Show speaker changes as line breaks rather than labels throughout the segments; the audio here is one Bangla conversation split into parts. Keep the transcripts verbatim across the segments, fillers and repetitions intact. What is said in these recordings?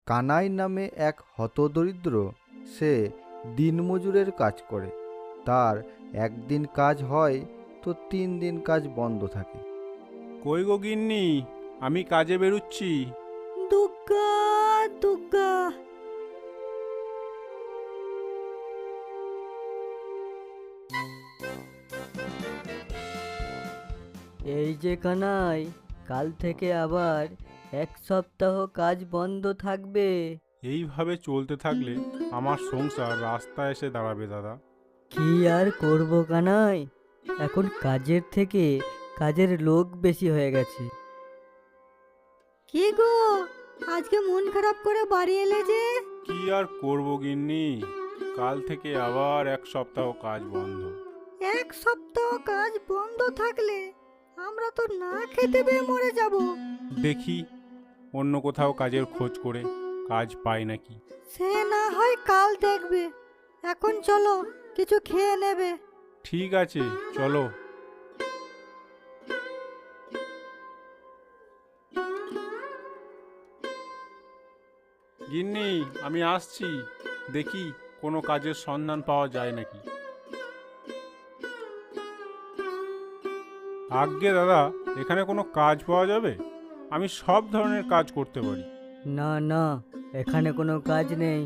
কানাই নামে এক হতদরিদ্র, সে দিনমজুরের কাজ করে। তার একদিন কাজ হয় তো তিন দিন কাজ বন্ধ থাকে।
কই গো গিন্নি, আমি কাজে বেরুচ্ছি।
দুগ্গা দুগ্গা। এই যে কানাই, কাল থেকে আবার এক সপ্তাহ কাজ বন্ধ থাকবে।
এইভাবে চলতে থাকলে আমার সংসার রাস্তায় এসে দাঁড়াবে দাদা।
কি আর করব কানাই, এখন কাজের থেকে কাজের লোক বেশি হয়ে গেছে। কি গো, আজকে মন খারাপ করে বাড়ি এলে যে?
কি আর করব গিন্নি, কাল থেকে আবার এক সপ্তাহ কাজ বন্ধ।
এক সপ্তাহ কাজ বন্ধ থাকলে আমরা তো না খেতে পেয়ে মরে যাব।
দেখি অন্য কোথাও কাজের খোঁজ করে কাজ পাই নাকি।
সে না হয় কাল দেখবে, এখন চলো কিছু খেয়ে নেবে।
ঠিক আছে, চলো। গিন্নি, আমি আসছি, দেখি কোনো কাজের সন্ধান পাওয়া যায় নাকি। আজ্ঞে দাদা, এখানে কোনো কাজ পাওয়া যাবে? আমি সব ধরনের কাজ করতে পারি।
না না, এখানে কোনো কাজ নেই।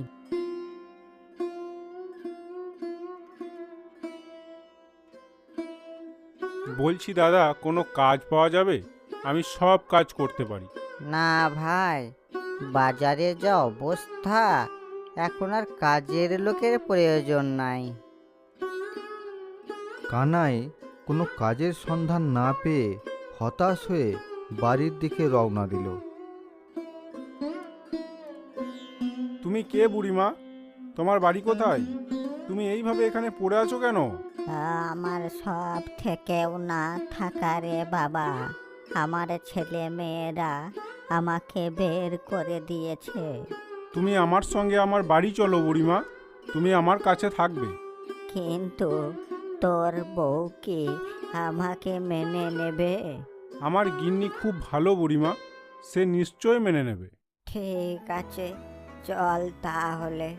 বলছি দাদা, কোনো কাজ পাওয়া যাবে? আমি সব কাজ করতে পারি।
না ভাই, বাজারে যা অবস্থা, এখন আর কাজের লোকের প্রয়োজন নাই।
কানাই কোনো কাজের সন্ধান না পেয়ে হতাশ হয়ে বাড়ির দিকে রওনা দিল।
তুমি কে বুড়িমা? তোমার বাড়ি কোথায়? তুমি এইভাবে এখানে পড়ে আছো কেন?
আমার সব থেকেও না থাকা রে বাবা, আমার ছেলে মেয়েরা আমাকে বের করে দিয়েছে।
তুমি আমার সঙ্গে আমার বাড়ি চলো বুড়িমা, তুমি আমার কাছে থাকবে।
কিন্তু তোর বউ কি আমাকে মেনে নেবে?
আমার গিন্নি খুব ভালো বুড়িমা, সে নিশ্চয় মেনে নেবে।
ঠিক আছে, চল তাহলে।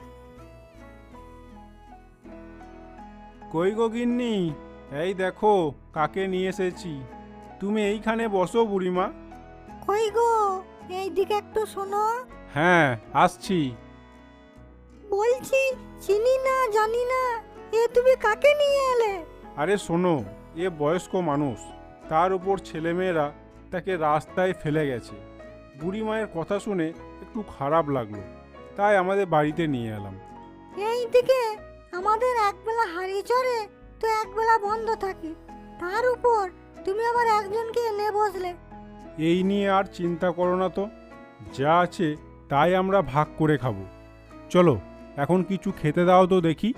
কই গো গিন্নি, এই দেখো কাকে নিয়ে এসেছি। তুমি এইখানে বসো বুড়িমা।
কই গো, এই দিকে একটু শোনো।
হ্যাঁ, আসছি।
বলছি, চিনি না জানি না, এ তুমি কাকে নিয়ে এলে?
আরে শোনো, এ বয়স্ক মানুষ, তার উপর ছেলেমেয়েরা তাকে রাস্তায় ফেলে গেছে। বুড়ি মায়ের কথা শুনে একটু খারাপ লাগলো, তাই আমাদের বাড়িতে নিয়ে এলাম।
এই দিকে আমাদের একবেলা হাঁড়ি চড়ে তো একবেলা বন্ধ থাকে, তার উপর তুমি আবার একজনকে এনে বসলে।
এই নিয়ে আর চিন্তা করো না তো, যা আছে তাই আমরা ভাগ করে খাবো। চলো এখন কিছু খেতে দাও তো দেখি।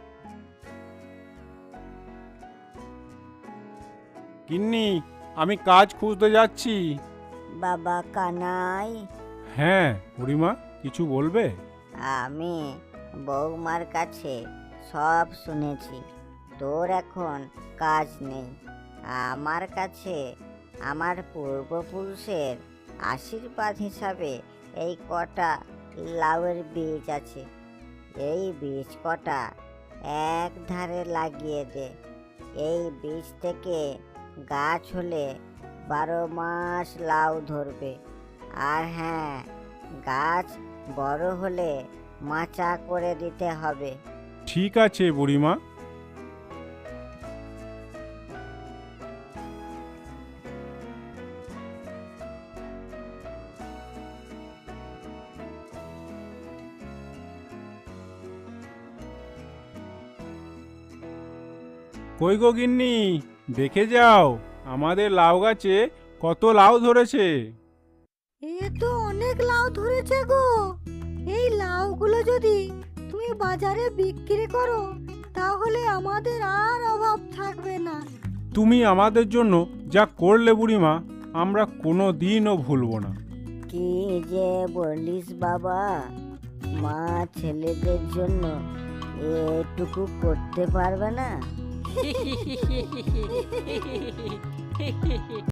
গিন্নি, আমি কাজ খুঁজতে যাচ্ছি।
বাবা কানাই,
হ্যাঁ বুড়িমা, কিছু বলবে?
আমি বৌমার কাছে সব শুনেছি, তোর এখন কাজ নেই। আমার কাছে আমার পূর্বপুরুষের আশীর্বাদ হিসাবে এই কটা লাউয়ের বীজ আছে। এই বীজ কটা এক ধারে লাগিয়ে দে। এই বীজ থেকে গাছ হলে বারো মাস লাউ ধরবে। আর হ্যাঁ, গাছ বড় হলে মাচা করে দিতে হবে।
ঠিক আছে বুড়িমা। কই গো গিন্নি, দেখে যাও আমাদের লাউ গাছে কত লাউ ধরেছে।
এ তো অনেক লাউ ধরেছে গো। এই লাউগুলো যদি তুমি বাজারে বিক্রি করো তাহলে আমাদের আর অভাব থাকবে না।
তুমি আমাদের জন্য যা করলে বুড়িমা, আমরা কোনো দিনও ভুলব না।
কি যে বলিস বাবা, মা ছেলেদের জন্য এটুকু করতে পারবে না?